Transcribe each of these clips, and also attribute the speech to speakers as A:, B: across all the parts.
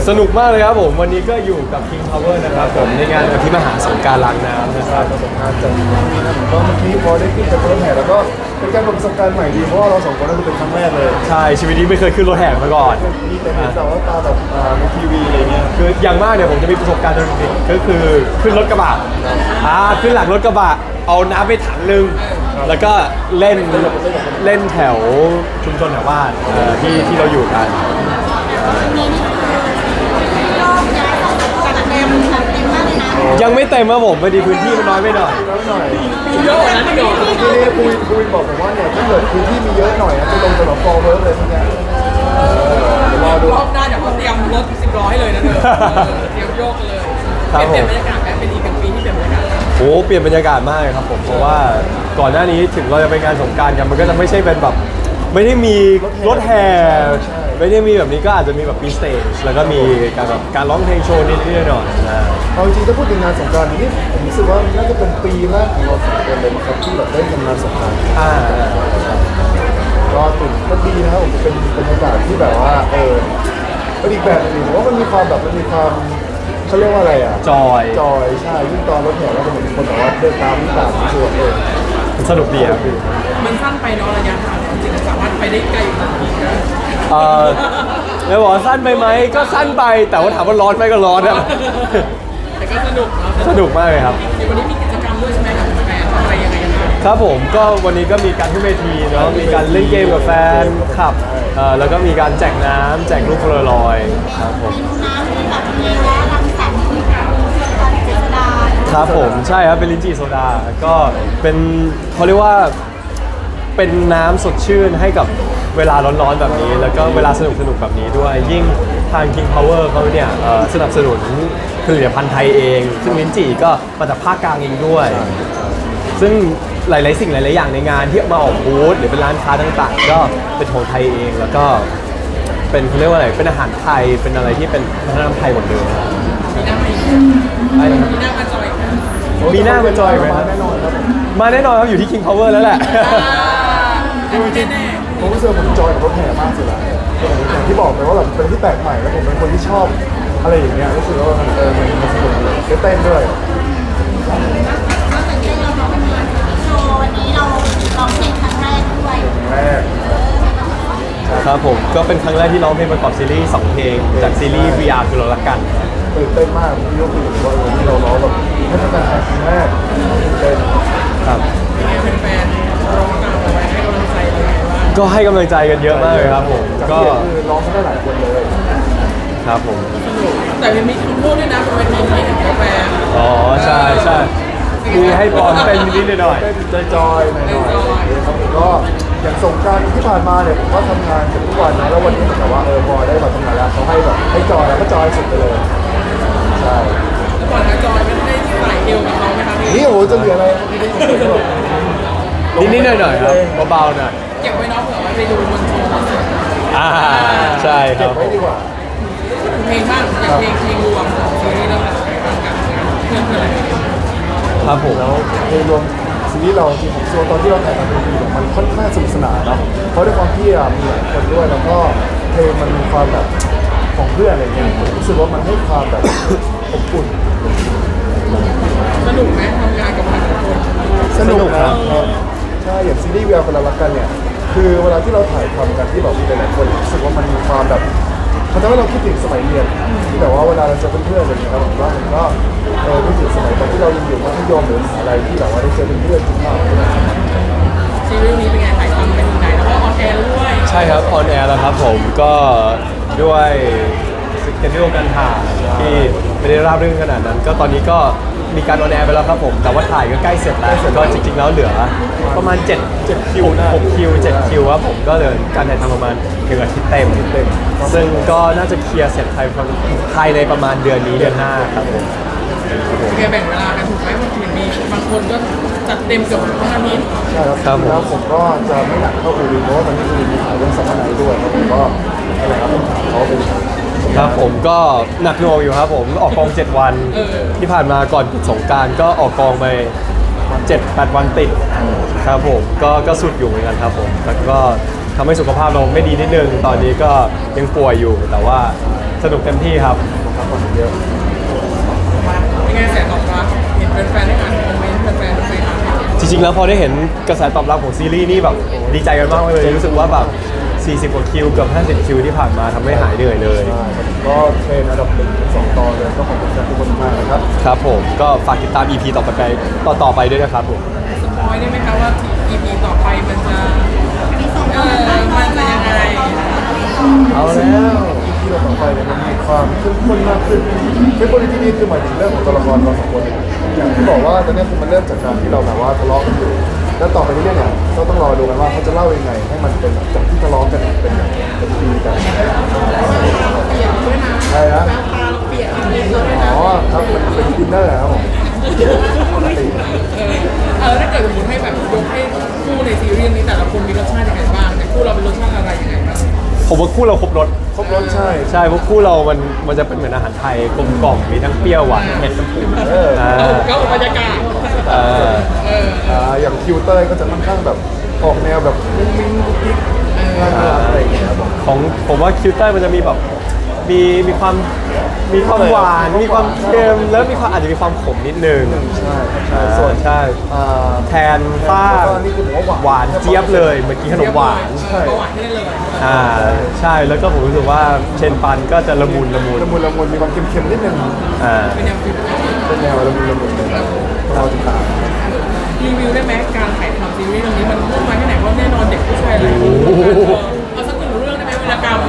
A: สนุกมากเลยครับผมวันนี้ก็อยู่กับ King Power นะครับผมในงานอภิมหาสงกรานต์ล้างน้ำนะครับ
B: ประสบการณ์จากนะครับผมก็เมื่อกี้พอได้ขึ้นจากรถแห่แล้วก็เป็นการประสบการณ์ใหม่ดีเพราะว่าเราสองคนนั่นคือเป็นครั้งแรกเลย
A: ใช่ชีวิตนี้ไม่เคยขึ้นรถแห่มาก่อน
B: มีแต่เห็นแต่ว่าตาแบบในทีวีอะไรเงี้ย
A: คืออย่างมากเนี่ยผมจะมีประสบการณ์ตอนเด็กๆก็คือขึ้นรถกระบะขึ้นหลังรถกระบะเอาน้ำไปถังนึงแล้วก็เล่นแถวชุมชนแถวบ้านที่เราอยู่กัน ยังไม่เต็มครับผมพอดีพื้นที่มันน้อยไปหน่อย
B: แล้วหน่อย
C: เยอะกว่านั้นอีกเหรอ
B: ทีนี้คุยบอกผมว่าเนี่ยถ้าเกิดพื้นที่มีเยอะหน่อยจะลงสำหรับฟอร์เวิร์กเลยทีเนี้ยเดี๋ยวรอดู
C: รอบหน้าเดี๋ยวเขาเตรียมรถ10ล้อให้เลยนะเธอเตรียมโยกกันเลย
A: ครับผม
C: เปลี่ยนบรรยากาศไหมเป็นอีกเป็นปีที่เปลี่ยนบรรยากาศ
A: โอ้เปลี่ยนบรรยากาศมากเลยครับผมเพราะว่าก่อนหน้านี้ถึงเราจะไปงานสงกรานต์กันมันก็จะไม่ใช่เป็นแบบไม่ได้มีรถแห่ไม่ได้มีแบบนี้ก็อาจจะมีแบบมีสเตจแล้วก็มีการร้องเพลงโชว์นิดๆหน่อยๆนะ
B: เอาจริงถ้าพูดถึงงานสงกรานต์นี่ผมรู้สึกว่าน่าจะเป็นปีแรกของเราสองคนเลยนะครับที่แบบได้ทำงานสงกรานต์
A: อ่า
B: ก็ตื่นก็ดีนะครับผมเป็นบรรยากาศที่แบบว่าเป็นอีกแบบหนึงผมว่ามันมีความแบบมันมีความเขาเรียกว่าอะไรอ่ะ
A: จอย
B: จอยใช่ยิ่งตอนรถแห่แล้วก็เหมือนมีคนแบบว่าเดินตามวิ่งตามส่วน
A: มันสนุกดีครับพี่
C: มันสั้นไปเนาะระยะทางจริงๆสามารถไปได้ไกลกว่านี้นะ
A: แล้วบอกว่าสั้นไปไหมก็สั้นไปแต่ว่าถามว่าร้อนไหมก็ร้อนครับ
C: แต่ก็สนุกเนาะ
A: สนุกมากเลยครับ
C: ในวันนี้มีกิจกรรมด้วยใช่ไหมกับแฟนทำอะไรยังไงกันบ้าง
A: ครับผมก็วันนี้ก็มีการขึ้นเวทีเนาะมีการเล่นเกมกับแฟนคลับแล้วก็มีการแจกน้ำแจกลูกโพลารอยด์ครับผม
D: น้ำที่แบบมีและรังสรรค์ตอนเจษดา
A: ครับผมใช่ครับเป็นลิ้นจี่โซดาก็เป็นเขาเรียกว่าเป็นน้ำสดชื่นให้กับเวลาร้อนๆแบบนี้ แล้วก็เวลาสนุกๆแบบนี้ด้วยยิ่งทาง King Power เขาเนี่ยสนับสนุนผลิตภัณฑ์ไทยเอง ซึ่งลิ้นจี่ก็มาจากภาคกลางเองด้วย ซึ่งหลายๆสิ่งหลายๆอย่างในงานที่มาออกบูธหรือเป็นร้านค้าต่างๆ ก็เป็นของไทยเองแล้วก็เป็นเขาเรียกว่าอะไรเป็นอาหารไทยเป็นอะไรที่เป็นวัฒนธรรมไทยหมดเลย
C: มีหน้ามาอีก
A: ใช่ครับ
C: มีหน้ามาจอยอีกนะ
A: มีหน้ามาจอยไหม
B: มาแน่นอนครับผม
A: มาแน่นอนครับอยู่ที่ King Power แล้วแหละ
C: แน่แน่
B: ผมรู้สึกว่าผมจอยกับรถแห่มากสุดละอย่างที่บอกไปว่าแบบเป็นที่แปลกใหม่แล้วผมเป็นคนที่ชอบอะไรอย่างเงี้ยรู้สึกว่ามันมันสนุกดีได้เต้นด้วย
D: ก็ตื่นเต้นเราเนาะวันนี้โชว์วันนี้เราร้องเพลงครั้งแรกด้วย
B: แรก
A: ครับผมก็เป็นครั้งแรกที่ร้องเพลงประกอบซีรีส์2เพลงจากซีรีส์ VR คือเรารักกัน
B: ตื่นเต้นมากที่ยกมือถือว่าที่เราร้องแบบให้เป็นการแข่งครั้งแรกตื่นเต้น
A: ครับ
C: เป็นแฟนๆร้องตามเอาไว้ให้กำลังใจเราไงบ้าง
A: ก็ให้กำลังใจกันเยอะมากเลยครับผม
B: จาก
A: ก็
B: ที่คือร้องไม่ได้หลายคนเลย
A: ครับผม
C: แต่มันมีคำพูดด้วยนะบนเวทีนี้เห็นกาแฟ
A: อ๋อใช่ใช่มีให้ปอนเป็นนิดๆหน่อย
B: เต้นจอยๆหน่อยๆครับผมก็อย่างสงกรารที่ผ่านมาเนี่ยผมก็ทำงานกันทุกวันนะแล้ววันนี้เหมือนกับว่าพอได้มาทำงานแล้วเขาให้แบบให้จอยแล้วก็จอยสุดไปเลยใช่
C: แล้วก่อนนะจอยไม่ได้สายเดียวกับเขาไหมครับพี่
B: นี่โอ้โหจะเหลืออะไรไม่ได้ยินเลย
A: ๆนิดๆหน่อยๆครับเบาๆหน่อย
C: เก็บไว้เนาะเผื่อไว้ไปดูบนโชว์คอนเสิร์ต
A: อ่าใช่ค
B: เก็
A: รั
B: บบ ไว้ดีกว่า
C: เพลงบ้างอย่างเพลงรวมของซีรีส์เรื่องอะไรบ้างกันเพื่อนอะไร
A: ครับผม
B: แล้วโดยรวมซีรีส์เราจริงผมเชื่อว่าตอนที่เราถ่ายทำเป็นปีเนี่ยมันค่อนข้างสนุกสนานเนาะเพราะด้วยความที่มีหลายคนด้วยแล้วก็เพลงมันมีความแบบของเพื่อนอะไรเงี้ยผมรู้สึกว่ามันให้ความแบบอบอุ่น
C: สนุกไหมทำงานกับหลายคน
B: สนุกครับใช่อย่างซีรีส์เวลคนละรักกันเนี่ยคือเวลาที่เราถ่ายทำกันที่แบบมีหลายๆคนรู้สึกว่ามันมีความแบบมันทำให้เราคิดถึงสมัยเรียนที่แบบว่าเวลาเราเจอเพื่อนๆอะไรอย่างเงี้ยครับผมว่ามันก็คิดถึงสมัยตอนที่เรายังอยู่มัธยมหรือมหาลัยที่แบบว่าได้เจอเพื่อนๆจริงมาก
C: ซีรีส์นี้เป็นไงถ่ายทำเป็นยังไงแล้วก็ออนแอร์ด้วย
A: ใช่ครับออนแอร์แล้วครับผมก็ด้วยสเกจดิวการถ่ายที่ไม่ได้ราบรื่นขนาดนั้น ก็ตอนนี้ก็มีการออนแอร์ไปแล้วครับผมแต่ว่าถ่ายก็ใกล้เสร็จแล้วก็จริงๆแล้วเหลือประมาณ7คิว6คิว7คิวครับผมก็เหลือการถ่ายทำประมาณ1อาทิตย์เต็มซึ่งก็น่าจะเคลียร์เสร็จภายในประมาณเดือนนี้เดือนหน้าครับผม
C: แกแบ่งเวลากันถูกไหมบางทีมีบางคนก็จัดเต็มเกือบทั้งอาทิตย์
B: ใช่ครับแล้วผมก็จะไม่หนักเท่าอูรินเพราะว่าตอนนี้อูรินมีถ่ายเรื่องซัมเมอร์ไนท์ด้วยครับผมก็อะไรครับต้องถามเขาเป็น
A: ครับผมก็หนักหน่วงอยู่ครับผมออกกอง7วันที่ผ่านมาก่อนปิดสงกรานต์ก็ออกกองไป7-8 วันติดครับผมก็สุดอยู่เหมือนกันครับผมแล้วก็ทำให้สุขภาพเราไม่ดีนิดนึงตอนนี้ก็ยังป่วยอยู่แต่ว่าสนุกเต็มที่ครับ
B: พักผ่อนเยอะ
C: เป็นไงแสนตอบรับเห็นแฟนๆได้อ่านคอมเมนต์แฟนๆไปอ่าน
A: จริงๆแล้วพอได้เห็นกระแสตอบรับของซีรีส์นี่แบบดีใจกันมากเลยรู้สึกว่าแบบ40 กว่าคิวเกือบ50 คิวที่ผ่านมาทำให้หายเหนื่อยเลย
B: ใช่ครับก็เทรนอันดับ1-2ตอนเลยก็ขอบคุณทุกคนมากนะครับ
A: ครับผมก็ฝากติดตาม EP ต่อไปด้วยนะครับผม
C: สปอยได้ไหมคะว่า EP ต่อไปมันจะ
D: มีส่ง
C: มันจะยังไง
A: เอาแล้ว
B: ที่เราต่อไปเนี่ยมันมีความเข้มข้นมากขึ้นเข้มข้นในที่นี้คือหมายถึงเรื่องของตัวละครเราสองคนเนี่ยอย่างที่บอกว่าตอนนี้คือมันเริ่มจากการที่เราแบบว่าทะเลาะกันอยู่แล้วต่อไปเรื่อยๆเนี่ยก็ต้องรอดูกันว่าเขาจะเล่ายังไงให้มันเป็นจากที่ทะเลาะกันเนี่ยเป็นเป็นดีกัน
C: เปลี่ยนด้วยนะ
B: ใช่นะ
C: ตาเราเปลี่ยนเลยด้วยนะ
B: อ๋อครับมันเป็นดินเนอร์ครับผมปกติ
C: ถ้าเกิดสมมติให้แบบยกให้คู่ในซีรีส์นี้แต่ละคนมีรสชาติยังไงบ้างแต่คู่เราเป็นรสชาติอะไรยังไงบ้าง
A: ผมว่าคู่เราครบรส
B: ครบรสใช่
A: ใช่เพราะคู่เรามันจะเป็นเหมือนอาหารไทยกลมกล่อมมีทั้งเปรี้ยวหวานเผ็ดน้ำผึ้ง
C: ก็บรรยากาศ
B: อย่างคิวเตอร์ก็จะค่อนข้างแบบออกแนวแบบมุ้งมิ้งกุ๊กกิ๊กน่ารักอะไรอย่างเงี้ยครับผม
A: ของผมว่าคิวเตอร์มันจะมีแบบมีความหวานมีความเค็มแล้วมีความอาจจะมีความขมนิดนึง
B: ใช่ใช่ส่วน
A: ใช่ แทนฟ้า
B: นี่คือผมว่า
A: หวานเจี๊ยบเลยเมื่อกี้ขนมหวาน
B: ใช่
C: ก็หวานให้ได้เลย
A: ใช่แล้วก็ผมรู้สึกว่าเชนปันก็จะละมุน
B: ละมุนมีความเค็มๆนิดนึง
C: เป็นแนวฟิล
B: เป็นแนวละมุนเลยเราติดตาม
C: รีวิวได้ไหมการถ่ายทำซีรีส์เรื่องนี้มันมุ่งมาแค่ไหนเพราะแน่นอนเด็กผู้ชายหลายคนเอาสักหนึ่งเรื่องได้ไหมเวลากรรม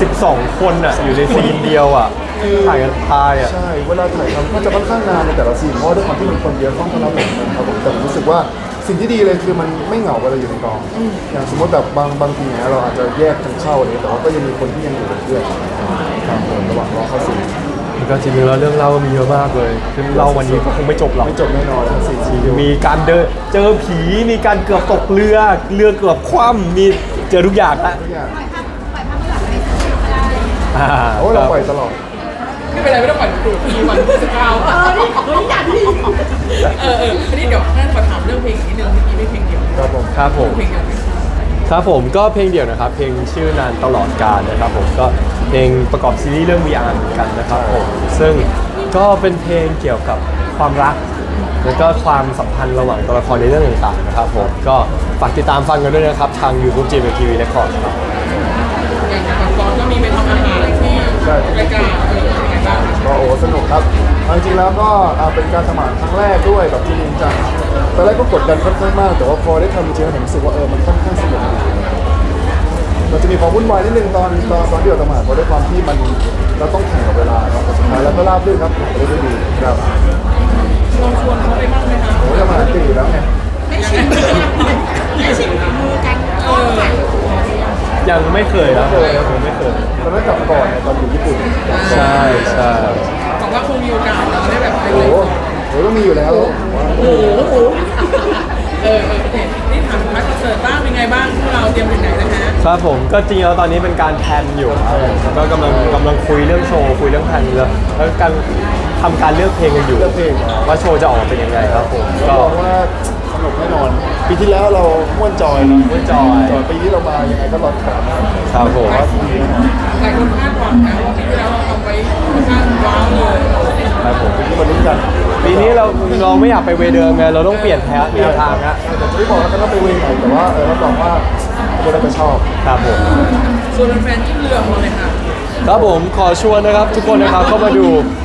A: 12 คนอ่ะอยู่ในซีนเดียวอ่ะถ่ายกันทายอ่ะ
B: ใช่เวลาถ่ายทำก็จะค่อนข้างนานในแต่ละซีนเพราะด้วยความที่มันคนเยอะต้องรับผมนะครับผมแต่ผมรู้สึกว่าสิ่งที่ดีเลยคือมันไม่เหงาเวลาอยู่ในกองอย่างสมมติแบบบางทีเนี่ยเราอาจจะแยกกันเข้าอะไรแต่ว่าก็ยังมีคนที่ยังอยู่เป็นเพื่อนครับผมระหว่างรอเข้าซีน
A: ก็จริงๆแล้วเรื่องเล่ามีเยอะมากเลยคือเล่าวันนี้ก็คงไม่จบหรอก
B: ไม่จบแน่นอนทั้งสี่ซีน
A: มีการเจอผีมีการเกือบตกเรือเกือบคว่ำมีเจอทุกอย่างละ
B: ทุกอย่าง
D: ปล่อยภาพไม่หลับในสตูก็ได้
B: โอ้เราปล่อยตลอด
C: ไม่เป็นไรไม่ต้องปล่อยดูทีวันที่19
D: นี่อยากที่
C: อันนี้เดี๋ยวท่านขอถามเรื่องเพลงอีกนิดนึงเมื่อกี้ไม่เพลงเดียว
B: ครับผม
A: ครับผม
C: เพลงเดียว
A: ครับผมก็เพลงเดี่ยวนะครับเพลงชื่อนานตลอดกาลนะครับผมก็เพลงประกอบซีรีส์เรื่อง VR เหมือนกันนะครับผมซึ่งก็เป็นเพลงเกี่ยวกับความรัก แล้วก็ความสัมพันธ์ระหว่างตัวละครในเรื่องต่างๆนะครับผมก็ฝากติดตามฟังกันด้วยนะครับทาง YouTube GMTV Records ครับ
C: อย่างของกอนก็มีไปทำอาหารที่รายการเป็นยังไงบ้าง
B: ก็โอ้สนุกครับเอาจริงๆแล้วก็เป็นการสมัครครั้งแรกด้วยแบบจริงจังตอนแรกก็กดดันค่อนข้างมาก แต่ว่าพอได้ทำจริงๆผมรู้สึกว่ามันค่อนข้างสนุกมันจะมีความวุ่นวายนิดนึงตอนที่เราสมัครเพราะด้วยความที่มันเราต้องแข่งกับเวลาเนาะแต่สุดท้ายแล้วก็ราบรื่นครับไปได้ดีครับ
C: ลองชวนเขาไปบ้างไหมคะ
B: โอ้ยจะมาตีแล้วไง
D: ไม่ชิมมือกันก็ใส่
A: ยังไม่เคยนะผมไม่เคย
B: ตอนนั้นกลับก่อนตอนอยู่ญี่ปุ่น
A: ใช่ใช่
C: บอกว่าคงมีโอกาสเราได้แบบไป
B: โอ้
C: เลย
B: โหโอ้ก็มีอยู่แล้ว
C: โอ้โหโอเคนี่ถามพักคอนเสิร์ตบ้างเป็นไงบ้างพวกเราเตรียมถึงไหนนะฮะ
A: ครับผมก็จริงแล้วตอนนี้เป็นการแพลนอยู่ครับผมก็กำลังคุยเรื่องโชว์คุยเรื่องแพลนแล้วการทำการเลือกเพลงกันอยู่
B: เลือกเพลง
A: ว่าโชว์จะออกมาเป็นยังไงครับผม
B: ก็
A: ก็
B: บอกว่าสนุกแน่นอน ปีที่แล้วเราม่วนจอยนะ
A: ม่วนจอย
B: ปีนี้เรามายังไงก็รอติดตามนะครับ
A: ครับผม
B: ว่าปีนี้แน่นอน
C: หลายคนคาดหวังนะว่าปีที่แล้วเราทำไว้ค่อนข้างว้าวเลย
A: ครับผม
B: ปีนี้มาลุ้นกัน
A: ปีนี้เราไม่อยากไปเวย์เดิมไงเราต้องเปลี่ยนแนวทางนะ
B: แต่จะไม่บอกแล้วกันว่าไปเวงไหนแต่ว่ารับรองว่าคนเราจะชอบ
A: ครับผม
C: ส่วนแฟนๆที่เรือของเราเลยค่ะ
A: ครับผมขอชวนนะครับทุกคนนะครับเข้ามาดู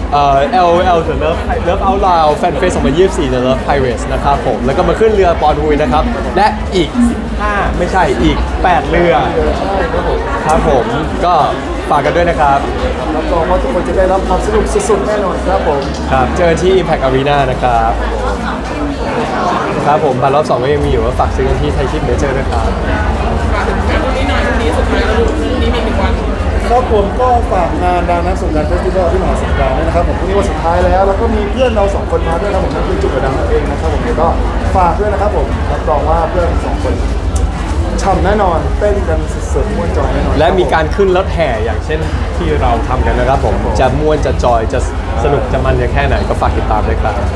A: LOL The Love Out Loud Fan Fest 2024 The Love Pirates นะครับผมแล้วก็มาขึ้นเรือปอนฮุยนะครับและอีก5ไม่ใช่อีก8เรือ
B: ใช่ครับผม
A: ครับผมก็ฝากกันด้วยนะครับ
B: รับรองว่าทุกคนจะได้รับความสนุกสุดๆแน่นอนครับผม
A: ครับเจอที่ Impact Arena นะครับครับผมบัตรรอบ2ก็ยังมีอยู่ว่าฝากซื้อกันที่ไทยทิปเมเจอร์ด้วยครับ
C: ฝากถึงงานพรุ่งนี้หน่อยพรุ่งนี้สุดท้ายแล้วพรุ่งนี้มี1 วัน
B: ครับผมก็ฝากงานดังนักสงกรานต์เฟสติวัลที่มหาสงกรานต์ด้วยนะครับผมพรุ่งนี้วันสุดท้ายแล้วแล้วก็มีเพื่อนเรา2 คนมาด้วยนะผมนั่นคือจุกกระดังนั่นเองนะครับผมเดี๋ยวก็ฝากด้วยนะครับผมรับรองว่าเพื่อน2 คนฉ่ำแน่นอนเต้นกันสุดๆม่วนจอยแน่นอน
A: และมีการขึ้นรถแห่อย่างเช่นที่เราทำกันนะครับผมจะม่วนจะจอยจะสนุกจะมันจะแค่ไหนก็ฝากติดตามด้วยครับ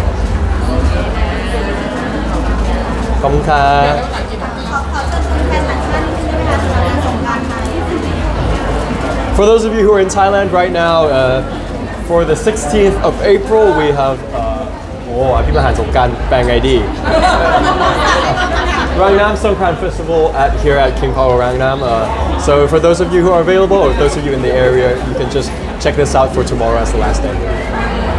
A: ขอบคุณครับ
D: ขอเชิญชวนแฟนต่างชาตินิดนึงได้ไหมคะสำหรับงานสงกรานต์ไทย
A: For those of you who are in Thailand right now, for the 16th of April, we have อภิมหารสงกรานต์แปลงไงดี Rangnam Songkran Festival here at King Power Rangnam. So for those of you who are available, or those of you in the area, you can just check this out for tomorrow as the last day.